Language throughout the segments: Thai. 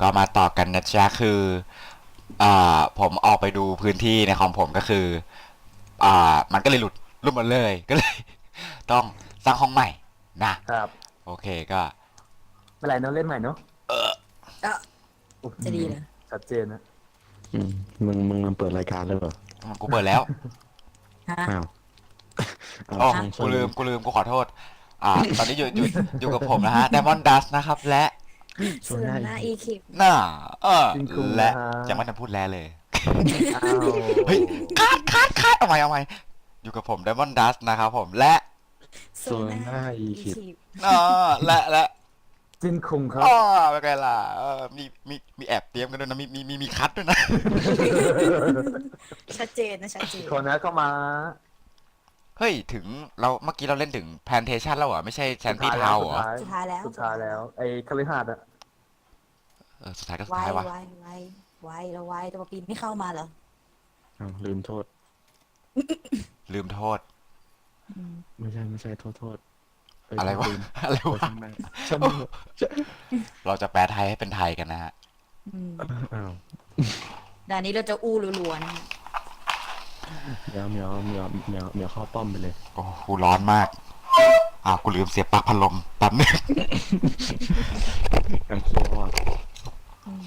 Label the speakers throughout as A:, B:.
A: ก็มาต่อกันนะจ๊ะคือผมออกไปดูพื้นที่ในคอมผมก็คือมันก็เลยหลุดหมดเลยก็เลยต้องสร้างห้องใหม่นะครับโอเคก็
B: เมื่อไหร่เนาะเล่นใหม่เนาะ
C: ก็
B: อื้อหือ
C: จะดีเหรอ
B: ชัดเจนนะ
D: อืมมึงมันเปิดรายการเลยเหรอ
A: กูเปิดแล้ว
C: ฮะ
D: อ้าว
A: อ๋อ
D: ช่าง
A: กูลืมกูขอโทษตอนนี้อยู่กับผมนะฮะ Diamond Dust นะครับและ
C: ส่วนหน้าอีคิป
A: น่า
B: จริงคุง
A: และ
B: นะฮะ
A: ยังไม่ทันพูดแลเลย
B: อ้าว
A: เฮ้ยคัดเอาใหม่อยู่กับผม Diamond Dust นะครับผมและ
D: ส่วนหน้าอีคิด
A: และ
B: จินคุงครับ
A: เป็นไงล่ะมีแอบเตรียมกันด้วยนะมีคัดด้วยนะ
C: ชัดเจนนะชัดเจน
B: คนนั้นเข้ามา
A: เฮ้ยถึงเราเมื่อกี้เราเล่นถึง Plantation แล้วเหรอไม่ใช่แชนตี้ทาวเหรอ
C: สุดท้ายแล้ว
B: สุดท้ายแล้วไอ้คฤหาสน์อะ
A: สุดท้ายก็สุด
C: ไว
A: ท้ายวะ
C: ไวแล้วไวตัวปีนไม่เข้ามาเหรอ
D: อ้าวลืมโทษ
A: ลืมโทษ
D: ไม่ใช่โทษเย
A: อะไรวะ
D: ลืม
A: อะไร
D: โทษ
A: วะ
D: ช่างแม่งช่างแม่ง
A: เราจะแปลไทยให้เป็นไทยกันนะฮะ
C: อืม
D: อ้าว
C: ด่านนี้เราจะอู้รัวๆนะฮะ
D: เหมียวเข้าป้อมไปเลย
A: โอ้กูร้อนมากกูลืมเสียบปลั๊กพัดลมแป๊บนึง
D: กันโคตร
C: อืม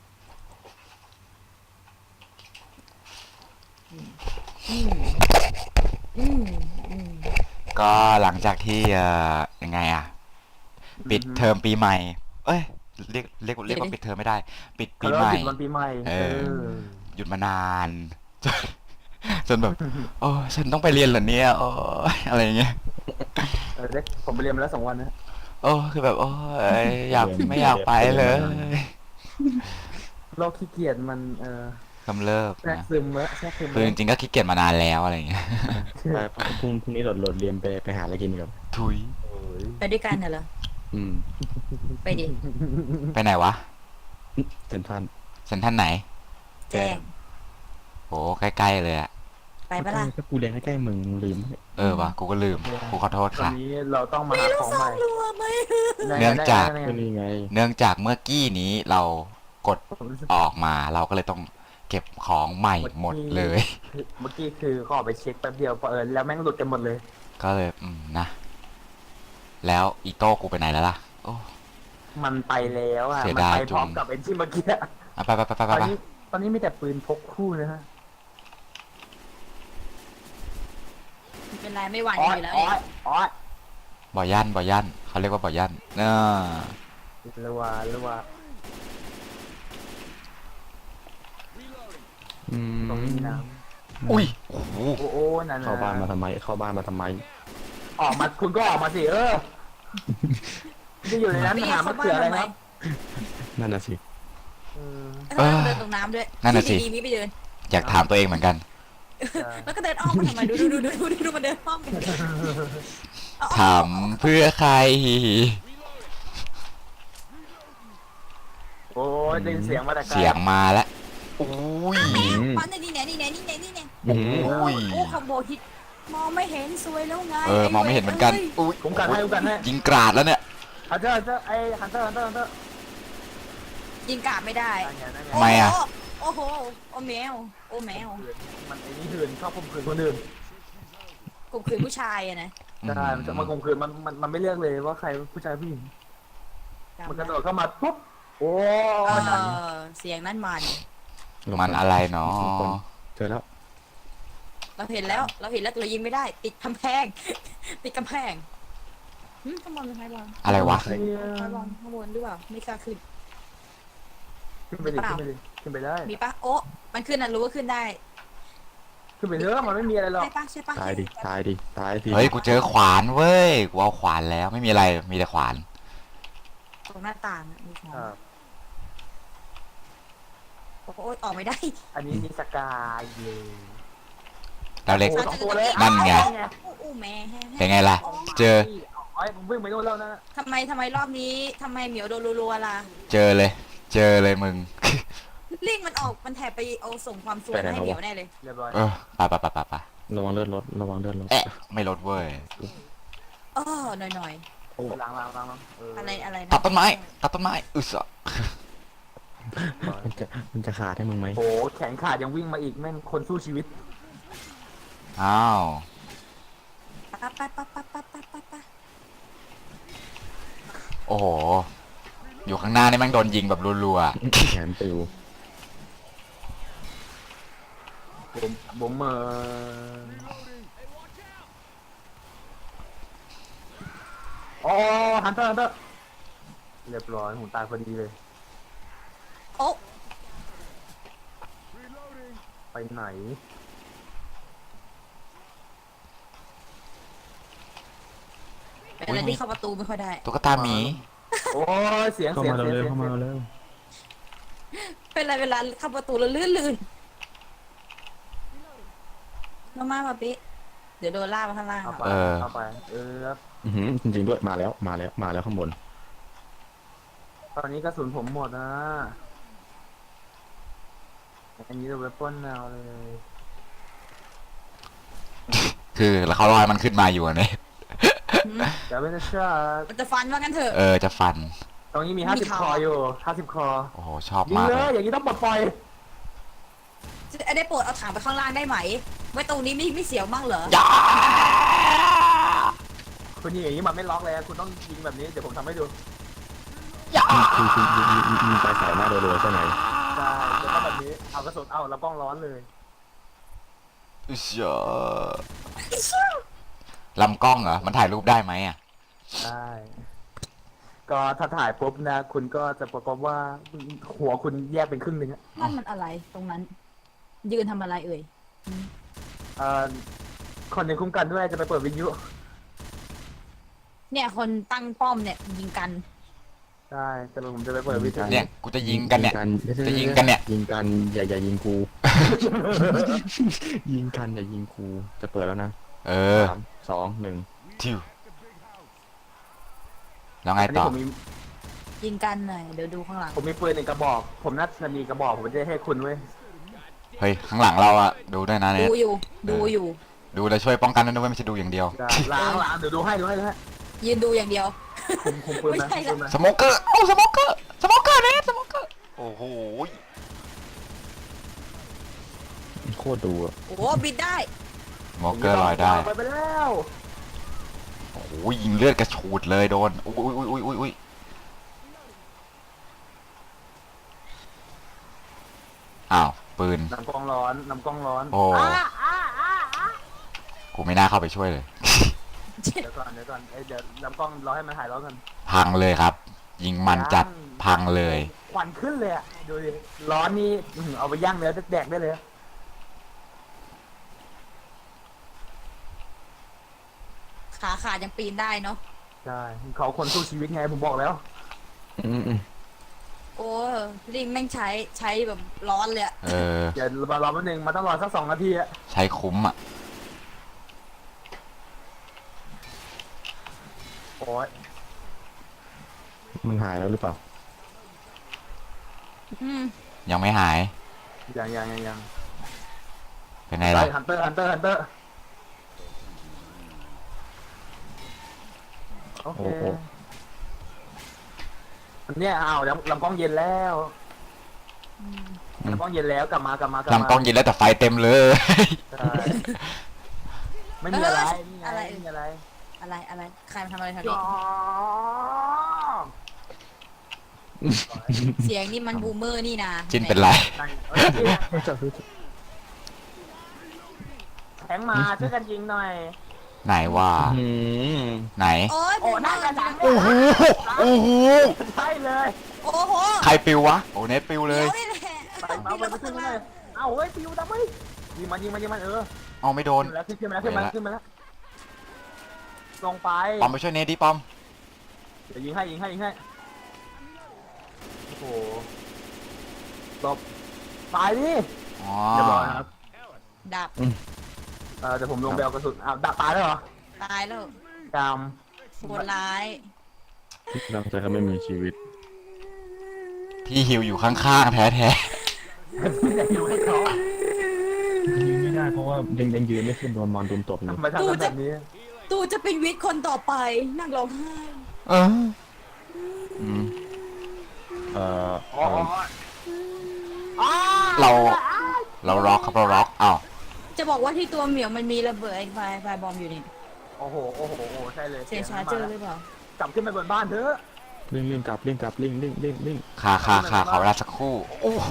C: อืมอืมอืม
A: ก็หลังจากที่ยังไงปิดเทอมปีใหม่ เอ้ยเรียกว่าปิดเทอมไม่ได้ ปิดปี
B: เขา
A: ใหม่
B: ปิดวันปีใหม่
A: หยุดมานาน จนแบบโอ้ฉันต้องไปเรียนเหรอเนี่ยโอ้ยอะไรอย่างเงี้ย
B: เด็กผมไปเรียนมาแล้ว2 วันนะ
A: โอ้คือแบบโอ้ยไม่อยากไปเลย
B: โรคขี้เกียจมัน
A: กำเริบ
B: แทรก
A: นะ
B: ซึมแล้วแทรกซึม
A: คือจริงๆก็ขี้เกียจมานานแล้วอะไรอย่างเงี้ย
D: ไปพรุ่งนี้โหลดเรียนไปหาอะไรกินกับ
A: ทุย
B: โอ้ย
C: ไปด้วยกันเหรอ
D: อืม
C: ไปดิ
A: ไปไหนวะ
D: เซ็นทรัล
A: เซ็นทรัลไหน
C: แจ้ง
A: โอ้ใกล้ๆเลยอะ
C: ไปปะล่ะ
D: ก็กูเรียนใกล้ๆมึงลืม
A: วะกูก็ลืมกูขอโทษ
B: ตอน
A: ค่ะ
B: นี้เราต้องมาหาของใหม่
C: รัวไหม
A: เนื่องจาก
D: ก็นี่ไง
A: เนื่องจากเมื่อกี้นี้เรากด
B: ผมรู้สึก
A: ออกมาเราก็เลยต้องเก็บของใหม่หมดเลย
B: เมื่อกี้คือเขาออกไปเช็คแป๊บเดียวแล้วแม่งหลุดกันหมดเลย
A: ก็เลยนะ แล้วอีโต้กูไปไหนแล้วล่ะโอ้
B: มันไปแล้วอ่ะ
A: เสีย
B: มัน
A: ดาย
B: ไปพร้อม
A: จุง
B: กับไอ้ที่เมื่อกี้อะ
A: ไป
B: ตอนนี้มีแต่ปืนพกคู่นะฮะ
C: เป็นไรไม่หวั่น
B: อ้
C: อ
B: อย
C: ยู่แล้ว
B: อ้
C: เนี่
B: อย ยอ้อย
A: บ่อยันเขาเรียกว่าบ่อยัน
B: หรือว่า
D: อืม
B: ตรงนี้น้
A: อุ้ยโอ้โห
B: ำโอ้นั่นนะ
D: เข้าบ้านมาทำไม
B: ออกมาคุณก็ออกมาสิจะอยู่ในนั้น
C: ไม่
B: หา
C: เข้าม
B: ะ
C: บ้า
B: เขือน อะไร
C: ทำไม
B: ครับ
D: นั่นน่ะสิ
C: แล้วก็เดินตรงน้ำด้วย
A: นั่นน่ะสิ
C: ดีๆนี้ไปเดิน
A: อยากถามตัวเองเหมือนกัน
C: แล้วก็เดินอ้อมมาทำไมดูมันเดินอ้อมไปเอา
A: ถามเพื่อใคร
B: โอ้ยได้ยินเสียงมาแต่ไกล
A: เสียงมาแล้วอุ้ย
C: ปันนี่แน่นี่แน่
A: โอ้ย
C: โอ้คอมโบฮิตมองไม่เห็นสวยแล้วไง
A: มองไม่เห็นเหมือนกันอุ้ย
B: ผมกันให้
A: ยิงกราดแล้วเนี่ย
B: ฮันเตอร์ไอ้ฮันเตอร์
C: ยิงกาดไม่ได้
B: นั่นไง
A: ทำไมอะ
C: โอ้โหโอ้แมว
B: มันไอ้นี่หื่นชอบข่มขืนคนอื่น
C: ข่มขืนผู้ชายอะนะ
B: ใช่มันจะมาข่มขืนมันไม่เลือกเลยว่าใครผู้ชายผู้หญิงมันกระโดดเข้ามาปุ๊บโอ้
C: เออเสียงนั่นมัน
A: มันอะไรเนาะ
D: เจอแล้ว
C: เราเห็นแล้วเรายิงไม่ได้ติดกำแพงข้างบนเป็นไงบอล
A: อะไรวะ
C: ไงบอลข้างบนหรือเปล่าไม่กล้าขึ้น
B: ขึ้นไปได้
C: มีปะโอ้มันขึ้นนะรู้ว่าขึ้นได้
B: ขึ้นไปเถอะมันไม่มีอะไรหรอก
C: ใช่ปะ
D: ตายดิตายสิ
A: เฮ้ยกูเจอขวานเว้ยกูเอาขวานแล้วไม่มีอะไรมีแต่ขวาน
C: ตรงหน้าต่างอะมีของ
B: ครับ
C: โอ้ยออกไม่ได้
B: อันนี้มีสกายเย่
A: เราเล็ก
B: โอ้สองตัวเลย
A: นั่นไง
C: อู้แม่
A: เป็นไงล่ะ เจอ
B: ไอ้ผมวิ่งไปโน่นแล้วนะ
C: ทำไมรอบนี้ทำไมเหมียวโดนรัวๆล่ะ
A: เจอเลยมึง
C: ลิงมันออกมันแถบไปเอาส่งความสวยมาให้เหมียวแน่เลย
B: เรียบร้อย
A: ไป
D: ระวังเลือดรถ
A: ไม่ลดเว้ย
C: หน่อย
B: ล้าง
C: อะไรนะ
A: ตัดต้นไม้อึศ
D: มันจะขาดให้มึงไหม
B: โอ้แขนขาดยังวิ่งมาอีกแม่งคนสู้ชีวิต
A: อ้าว
C: ปะปะปะปะปะปะปะปะ
A: โอ้โห อยู่ข้างหน้านี่แม่งโดนยิงแบบรัว
D: แขนปิว
B: ผมอ๋อฮันเตอร์เรียบร้อยหูตายพอดีเลย
C: โอ้
B: ไปไหน
C: เป็นอะไรที่เข้าประตูไม่ค่อยได้
A: ๆ ตุ๊กตาหมี
B: โอ้ยเสียง
D: เข้า
B: เสียง
D: มา
B: เสียง
D: เร็ว
B: เสียง
D: เข้ามาเร็ว
C: เป็นอะไรเวลาเข้าประตูแล้วลื่นลงมาปะปิเดี๋ยวโดนล่ากมาข้างล่าง
B: เอา
C: อ่ะ
B: ไปเอาไปครับ
D: จริงๆด้วยมาแล้วข้างบน
B: ตอนนี้กระสุนผมหมดนะอันนี้เราไปปล้นแนวเลย
A: คือแล้วเขาลอยมันขึ้นมาอยู่อะเนี่ย
B: จะไม่ได้เชื่อ
C: มันจะฟันว่างั้นเถอะ
A: จะฟัน
B: ตรงนี้มี
C: มี
B: 50
C: ข่าว
B: คออยู่50 คอ
A: โอ้โห ชอบ
B: ยิง
A: มาก
B: เล
A: เลย ย
B: อย่างนี้ต้องปลดปล่อย
C: จะได้โปรดเอาถังไปข้างล่างได้ไหมไว้ตรงนี้ไม่เสียวมั่งเหรอ
A: ย่า
B: คุณยิงอย่างนี้มันไม่ล็อกเลยคุณต้องยิงแบบนี้เดี๋ยวผมทำให้ดู
D: คือยิงไปใส่หน้ารัวๆใช่ไหม
B: ใช่แล้วก็แบบนี้เอากระสุนเอาแล้วป้องร้อนเลย
A: เชี่ยลำกล้องเหรอ มันถ่ายรูปได้ไหมอ่ะ
B: ใช่ ก็ถ้าถ่ายปุ๊บนะคุณก็จะประกอบว่าหัวคุณแยกเป็นครึ่งหนึ่งอะ
C: นั่นมันอะไรตรงนั้น ยืนทำอะไรเอ่ย
B: เอ่อคนหนึ่งคุ้มกันด้วยจะไปเปิดวิทยุ
C: เนี่ยคนตั้งป้อมเนี่ยยิงกัน
B: ใช่แต่ผมจะไปเปิดวิทยุ
A: เนี่ย กูจะยิงกันเนี่ย จะยิงกันเนี่ย
D: ยิงกันอย่ายิงกู ยิงกันอย่ายิงกูจะเปิดแล้วนะ 3 2 1
A: ทิวแล้วไง
B: อันนี้
A: ต่อ
B: ผมมี
C: ยิงกันหน่อยเดี๋ยวดูข้างหลัง
B: ผมมีปืนหนึ่งกระบอก ผมน่าจะมีกระบอกผมจะให้คุณเว้ย
A: เฮ้ย ข้างหลังเราอะดูด้วยนะเนี่ย
C: ดูอยู่
A: ดูแล้วช่วยป้องกันด้วยไม่ใช่ดูอย่างเดียว
B: จะล้างเดี๋ยวดูให้
C: ยืนดูอย่างเดียว
B: คุมปืนนะ
C: ไม่ใช่ละ
B: คุมปืนนะ
A: สโมเกอร์ โอ้ สโมเกอร์ สโมเกอร์เนี่ยสโมเกอร์ โอ้โห
D: โคตรดูอะ
C: โอ้บินได้
A: สโมเกอร์ลอยได้
B: ไปแล้ว
A: โอ้โห ยิงเลือดกระฉูดเลยโดน อุ้ยอ้าว ปืน
B: น้ำกล้องร้อน
A: โอ้ กูไม่น่าเข้าไปช่วยเลย
B: เดี๋ยวก่อนเดี๋ยวน้ำกล้องรอให้มันหายร้อนกัน
A: พังเลยครับ ยิงมันจัดพังเลย
B: ควันขึ้นเลยอ่ะดูดิร้อนนี่เอาไปย่างเนื้อแดกได้เลย
C: ขาขาดยังปีนได้เนาะ
B: ใช่เขาคนสู้ชีวิตไงผมบอกแล้ว
C: โอ้ลิงแม่งใช้แบบร้อนเลยอะ
B: อย่ารอแป๊บนึงมันต้องรอสัก2 นาทีอะ
A: ใช้คุ้มอ่ะ
B: โอ้ย
D: มันหายแล้วหรือเปล่า
C: อืม
A: ยังไม่หาย
B: ยัง
A: เป็นไงล่ะ
B: ฮันเตอร์โอเค
D: โอ้
B: เนี่ยอ้าวลำกล้องเย็นแล้วลำกล้องเย็นแล้วกลับมา
A: ลำกล้องยิงแล้วแต่ไฟเต็มเลย
B: ใช่ไม่มีอะไร
C: อะไร
B: ไม่มีอะไร
C: อะไรใครมาทำอะไรแถวนี้เสียงนี่มันบูมเมอร์นี่นะ
A: จิ้นเป็นไร
B: แทงมาช่วยกันยิงหน่อย
A: ไหนว่า ไหน
C: โอ้ย
B: โอ้น่ากระดัง
A: โอ้โห โอ้โห
B: ใช่เลย
C: โอ้โห
A: ใครปิววะ โอ้เน็ตปิวเลย
C: เดี๋ยวนี่แหละ
B: ไปมาไปขึ้นมาเลยเอาเฮ้ยปิวดับเฮ้ยยิงมัน
A: เอาไม่โดน
B: ขึ้นมาแล้วลงไป
A: ปอมไปช่วยเนทดิปอม
B: เดี๋ยวยิงให้โอ้โหหลบตายดิ
A: อ๋อ
B: เรียบร้อยครับ
C: ดับ
B: เดี๋ยวผมลงไปเอากระสุนอ้าวดับตายแล้วเหรอ
C: ตายแล้ว
B: กาม
C: โหดร้าย
D: เราจะไม่มีชีวิต
A: พี่ฮิวอยู่ข้างๆ แท้
B: อยากอยู่ให้เขา
D: ยืนไม่ได้เพราะว่ายังยืนไม่ขึ้นโดนมอนดุมตบอยู่
B: ทำไมทำกันแบบนี้
C: ตูจะเป็นวิทย์คนต่อไปนั่งร้องไห้
A: ๆ เออ
D: อืม
B: อ๋อ
A: เราล็อกครับเราล็อกอ้าว
C: จะบอกว่าที่ตัวเหมียวมันมีระเบิดไอ้ไฟบอมอยู่นี่
B: โอ้โหใช่เลย
C: เสียชาร์เจอร์หรือเปล่าก
B: ลับขึ้นไปบนบ้านเถอะ
D: ลิงกลับลิง
A: ค่ะขอเวลาสักครู่โอ้โห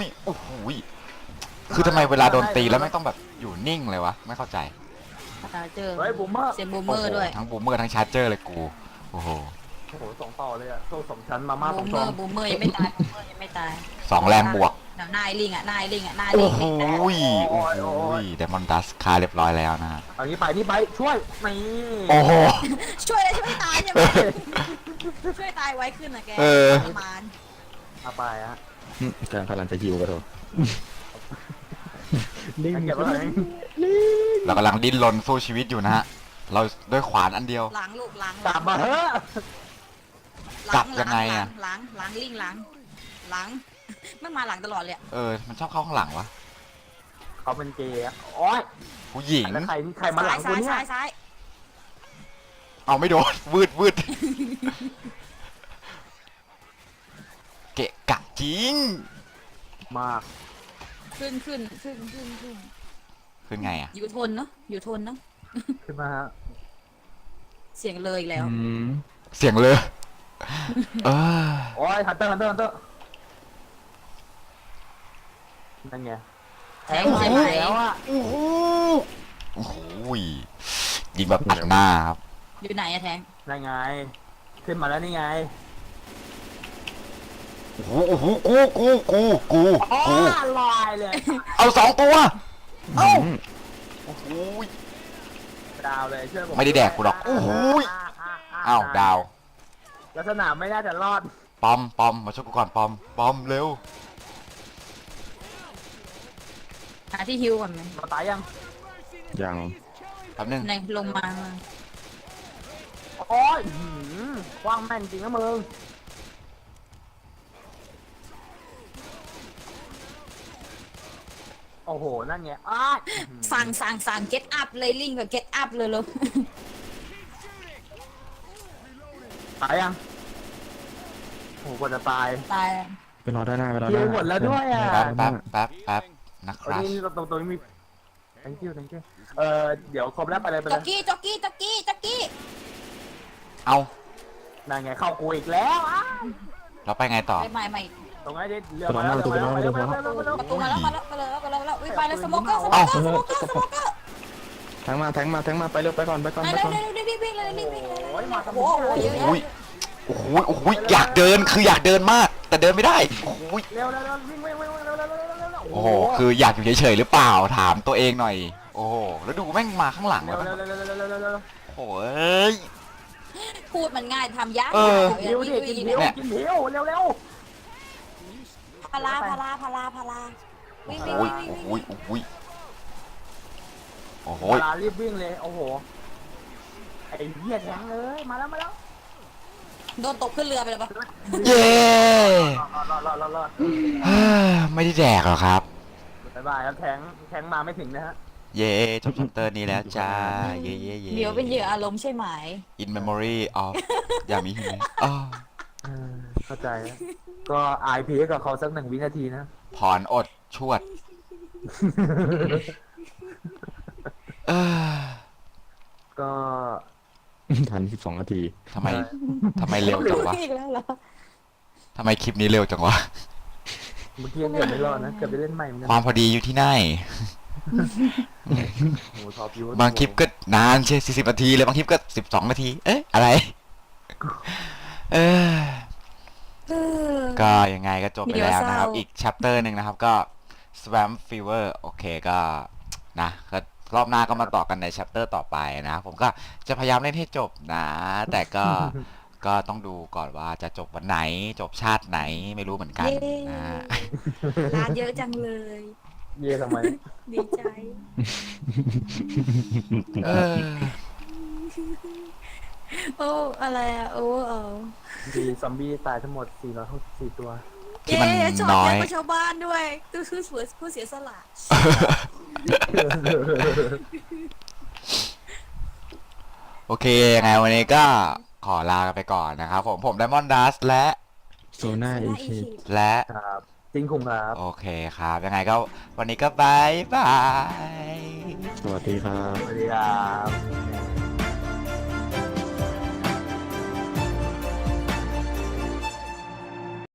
A: คือทำไมเวลาโดนตีแล้วไม่ต้องแบบอยู่นิ่งเลยวะไม่เข้าใจ
C: ชาร์เจอร์
B: เฮ้ยบูมเมอร์
C: เสียงบูมเมอร์ด้วย
A: ทั้งบูมเมอร์ทั้งชาร์เจอร์เลยกูโอ้โห
B: สองต่อเลยอะโซ่สองชั้นมาม่าส
C: บู
B: อง
C: มเม
B: ช้
C: อ
B: อน
C: ร์บูมเมอร์ยังไม่ตายบูมเมอร์ยังไม่ตาย
A: สองแรงบวก
C: นายลิงอ่ะนายลิง
A: โอ้
C: อ่ะนายลิง
A: โหเดมอนดัสคาเรียบร้อยแล้วนะฮะ
B: เอางี้ไปนี่ไปช่วยนี่
A: โอ้โห
C: ช่วยเลยช่วยตายใช่ไหมช่วยตายไว้ขึ้นนะแกประมาณ
B: เอาไปฮะ
D: การพลังจะยิวกันเถอะลิง
B: เก็บไว้ไหน
A: เรากำลังดิ้นรนสู้ชีวิตอยู่นะฮะเราด้วยขวานอันเดียว
C: หลังลูกหลัง
B: กลับมาเถอะ
A: กลับยังไงอะ
C: หลังลิงหลังมันมาหลังตลอดเลย
A: มันชอบเข้าข้างหลังวะ
B: เขาเป็นเกย์อะโอ๊ย
A: ผู้หญิง
B: แล้วใครมาหลังกูเนี่ย
C: ซ้าย
A: เอาไม่โดนวืดเกะกะจริง
B: มาก
C: ขึ้น
A: คือไงอ่ะ
C: อยู่ทนเนาะอยู่ทนเนาะ
B: ขึ้นมาฮะ
C: เสียงเลยอีกแล้ว
A: เสียงเลยเออ
B: โอ๊ยฮันเตอร์นั่นไง
C: แทงใช่ไหม
B: แล้วอะ
A: โอ้โหยิงแบบอัดหน้าครับ
C: อยู่ไหนอะแทง
B: นั่นไง ขึ้นมาแล้วนี่ไง
A: โอ้โหกู
B: อ๋อลอยเลย
A: เอาสองตัว
B: เอ้า
A: โอ้โห
B: ดาวเลยเชื่อผม
A: ไม่ได้แดกกูหรอกโอ้โหอ้าวดาว
B: ลักษณะไม่น่าจะรอด
A: ปอมมาช่วยกูก่อนปอมเร็ว
C: หาที่ฮิวก่อนไหม
B: มาตายยัง
D: ยัง
A: แป๊บนึง
C: ในลงมา
B: โอ้ยว่างแม่นจริงนะมึงโอ้โห นั่นไงอ้าย
C: สั่ง get up เลยลิงกับ get up เลยลูก
B: ตายยังโอ้โหกว่าจะตาย
C: ตาย
D: ไปรอด้านหน้า
B: เยอะหมดแล้วด้วยอะ
A: แป๊บนะครับ
B: นี่ตรงนี้มี thank you เดี๋ยวครบแล้วไปเลย
C: จ็อกกี้
A: เอา
B: นั่นไงเข้ากูอีกแล้วอ้าว
A: เราไปไงต่อ
C: ไม่
B: ตรงไหนดิเรือมาแล้ว
C: ประตูมาแล้วไปเลยสโมกเกอร์
D: แทงมาไปเร็วไปก่อน
C: เร็ววิ่งเลย
B: โอ้ยมาส
C: โอ้
B: มุ
C: โห
B: น
C: เยอะ
A: โอ้ยอยากเดินคืออยากเดินมาก แต่เดินไม่ได้โอ้ย
B: เร็ววิ่งเร็ว
A: โอ้โหคืออยากอยู่เฉยๆหรือเปล่าถามตัวเองหน่อย โอ้โหแล้วดูแม่งมาข้างหลัง
B: เร็
A: แล้ว
B: ว
A: โอ้ย
C: พูดมันง่ายทำยาก
B: หิวดิกินหิวเร็ว
C: พาราวิ่ง
A: โอ้ยโอ้โห
B: เวลารีบวิ่งเลยโอ้โหไอ้เหี้ยแทงเลยมาแล้ว
C: โดนตกขึ้นเรือไปเลยปะ
A: เย้
B: รอด
A: ไม่ได้แดกหรอครับ
B: บ๊ายบายครับแทงมาไม่ถึงนะฮะ
A: เย้จบชัปเตอร์นี้แล้วจ้าเย้
C: เดี๋ยวเป็นเหยื่ออารมณ์ใช่ไหม
A: In memory of ยามิฮิเมะอ้อ
B: เข้าใจก็อายพีกับเขาสัก1 วินาทีนะ
A: ผ่อนอดชวดเออ
B: ก็
D: ทัน12 นาที
A: ทำไมเร็วจังวะ
C: อีกแล้วเหรอ
A: ทำไมคลิปนี้เร็วจังวะ
B: เมื่อกี้เกือบไม่รอดนะเกือบไปเล่นใหม่เหมือนกั
A: ความพอดีอยู่ที่ไหน
B: โอ้ท็อปยู
A: บางคลิปก็นานใช่40 นาทีเลยบางคลิปก็12 นาที เอ๊ะอะไร เออ ก็ยังไงก็จบไปแล้วนะครับ อีกชัปเตอร์หนึ่งนะครับก็ Swamp Fever โอเคก็นะก็รอบหน้าก็มาต่อกันในชัปเตอร์ต่อไปนะครับผมก็จะพยายามเล่นให้จบนะ แต่ก็ ก็ต้องดูก่อนว่าจะจบวันไหนจบชาติไหนไม่รู้เหมือนกันนะ
C: ร้านเยอะจังเลย
B: เย่ทำไม
C: ดีใจ
A: เออ
C: โอ้อะไรอะโอ้
B: มีซอมบี้ตายทั้งหมด464 ตัว
A: ที่มัน
C: ชอบ
A: น้อ
C: เย
A: ย
C: อะกว่าชาวบ้านด้วยตัวคือผู้เสียสละ
A: โอเคยังไงวันนี้ก็ขอลากันไปก่อนนะครับผมไดมอนดัสและ
D: โซน่าเอเค
A: และ
B: ครับจริงคุงครับ
A: โอเคครับ ยังไงก็วันนี้ก็บายบาย
D: สวัสดีครับ
B: สวัสดีครับ